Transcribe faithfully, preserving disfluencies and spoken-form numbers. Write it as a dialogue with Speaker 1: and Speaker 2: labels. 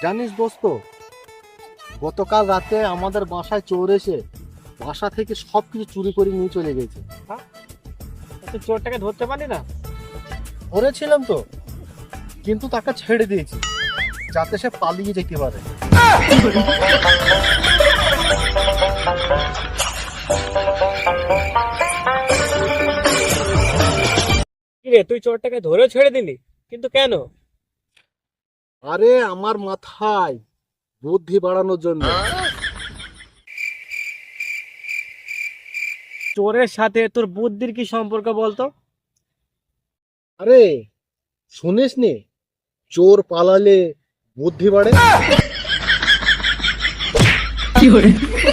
Speaker 1: জানিস দোস্ত, গতকাল রাতে আমাদের বাসায় চোর এসে বাসা থেকে সব কিছু চুরি করে নিয়ে চলে গেছে।
Speaker 2: তুই চোরটাকে ধরতে পারলি না?
Speaker 1: ধরেছিলাম তো, কিন্তু তাকে ছেড়ে দিয়েছি যাতে সে পালিয়ে যেতে পারে।
Speaker 2: কি রে, তুই চোরটাকে ধরে ছেড়ে দিলি, কিন্তু কেন?
Speaker 1: আরে আমার মাথায় বুদ্ধি বাড়ানোর জন্য।
Speaker 2: চোরের সাথে তোর বুদ্ধির কি সম্পর্ক বলতো?
Speaker 1: আরে শুনিস নি, চোর পালালে বুদ্ধি বাড়ে।